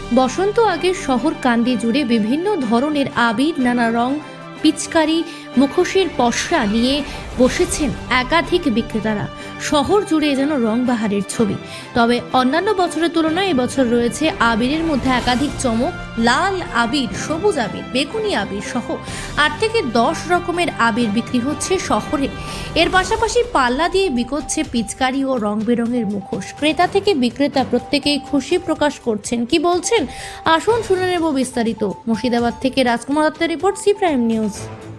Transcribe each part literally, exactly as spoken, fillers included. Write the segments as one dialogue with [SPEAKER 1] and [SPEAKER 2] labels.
[SPEAKER 1] বসন্ত আগে শহর কান্দি জুড়ে বিভিন্ন ধরনের আবির, নানা রং, পিচকারি, মুখোশের পসরা নিয়ে বসেছেন একাধিক বিক্রেতারা। শহর জুড়ে যেন রং বাহারের ছবি। তবে অন্যান্য বছরের তুলনায় এবছর রয়েছে আবিরের মধ্যে একাধিক চমক। লাল আবির, সবুজ আবির, বেগুনি আবির সহ আট থেকে দশ রকমের আবির বিক্রি হচ্ছে শহরে। এর পাশাপাশি পাল্লা দিয়ে বিকোচ্ছে পিচকারি ও রং বেরঙের মুখোশ। ক্রেতা থেকে বিক্রেতা প্রত্যেকেই খুশি প্রকাশ করছেন। কি বলছেন আসুন শুনে নেব বিস্তারিত। মুর্শিদাবাদ থেকে রাজকুমার দত্তের রিপোর্ট, সি প্রাইম নিউজ।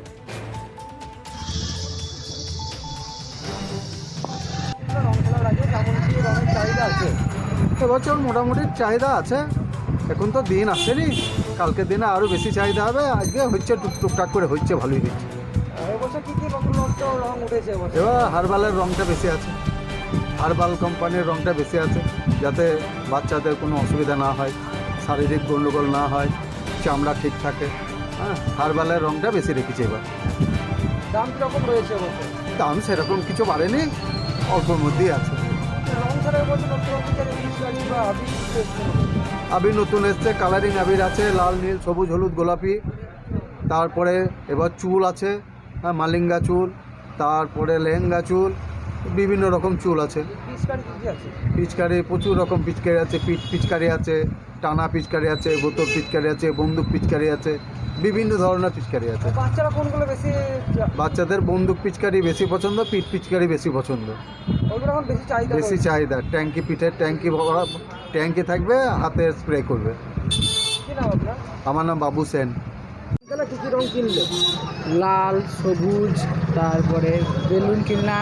[SPEAKER 2] এবছর মোটামুটি চাহিদা আছে। এখন তো দিন আসেনি, কালকের দিনে আরও বেশি চাহিদা হবে। আজকে হচ্ছে টুক টুকটাক করে হচ্ছে, ভালোই হচ্ছে।
[SPEAKER 3] এবছর কি কি রকম রং উঠেছে?
[SPEAKER 2] এবার হারবালের রংটা বেশি আছে, হারবাল কোম্পানির রংটা বেশি আছে, যাতে বাচ্চাদের কোনো অসুবিধা না হয়, শারীরিক গণ্ডগোল না হয়, চামড়া ঠিক থাকে। হ্যাঁ, হারবালের রংটা বেশি রেখেছে এবার।
[SPEAKER 3] দাম কীরকম রয়েছে এবছর?
[SPEAKER 2] দাম সেরকম কিছু বাড়েনি, অল্পর মধ্যেই আছে।
[SPEAKER 3] রং ছাড়া এবছর নতুন রকম পিচকারি বা আবির এসছে?
[SPEAKER 2] আবির নতুন এসছে, কালারিং আবির আছে, লাল, নীল, সবুজ, হলুদ, গোলাপি। তারপরে এবার চুল আছে, হ্যাঁ, মালিঙ্গা চুল, তারপরে লেহেঙ্গা চুল, বিভিন্ন রকম চুল আছে।
[SPEAKER 3] পিচকারি কী কী আছে?
[SPEAKER 2] পিচকারি প্রচুর রকম পিচকারি আছে। পিচ পিচকারি আছে, টানা পিচকারি আছে, বোতল পিচকারি আছে, বন্দুক পিচকারি আছে, বিভিন্ন ধরনের পিচকারি আছে।
[SPEAKER 3] বাচ্চারা কোনগুলো বেশি?
[SPEAKER 2] বাচ্চাদের বন্দুক পিচকারি বেশি পছন্দ, পিঠ পিচকারি বেশি পছন্দ,
[SPEAKER 3] ওইগুলো এখন বেশি চাহিদা
[SPEAKER 2] বেশি চাহিদা। ট্যাঙ্কি, পিঠের ট্যাঙ্কি ভরা ট্যাঙ্কি থাকবে, হাতে স্প্রে করবে।
[SPEAKER 3] কী নাম আপনার?
[SPEAKER 2] আমার নাম বাবু সেন।
[SPEAKER 3] তাহলে কী কী রং কিনলে?
[SPEAKER 4] লাল, সবুজ, তারপরে বেলুন কিনলাম,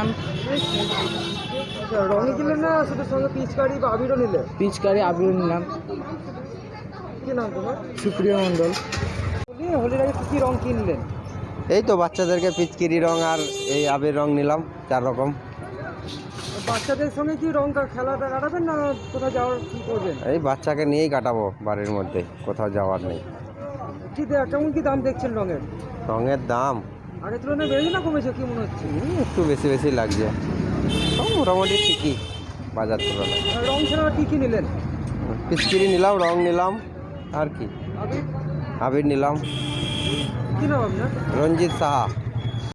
[SPEAKER 3] আচ্ছা, রঙই কিনলেন না শুধু সঙ্গে পিচকারি বা আবিরও নিলে?
[SPEAKER 4] পিচকারি, আবির নিলাম।
[SPEAKER 3] কী নাম তোমার?
[SPEAKER 4] সুপ্রিয় মণ্ডল।
[SPEAKER 3] বলি হোলির আগে কী কী রং কিনলেন?
[SPEAKER 5] এই তো বাচ্চাদেরকে পিচকিরি রং আর এই আবির রং নিলাম, চার রকম।
[SPEAKER 3] বাচ্চাদের সঙ্গে কি রং খেলাটা কাটাবেন না কোথাও যাওয়ার কী করবেন?
[SPEAKER 5] এই বাচ্চাকে নিয়েই কাটাবো বাড়ির মধ্যে, কোথাও যাওয়ার নেই।
[SPEAKER 3] কী দে- কেমন কী দাম দেখছেন রঙের?
[SPEAKER 5] রঙের দাম
[SPEAKER 3] আগের তুলনায় বেড়েছে না কমেছে, কী মনে হচ্ছে?
[SPEAKER 5] হুম, একটু বেশি বেশি লাগছে। সব মোটামুটি ঠিকই বাজার তুলনায়।
[SPEAKER 3] আর রং ছাড়া কী কী নিলেন?
[SPEAKER 5] পিচকিরি নিলাম, রং নিলাম, আর কি
[SPEAKER 3] আবির?
[SPEAKER 5] আবির নিলাম।
[SPEAKER 3] কী নাম আপনার?
[SPEAKER 5] রঞ্জিত সাহা।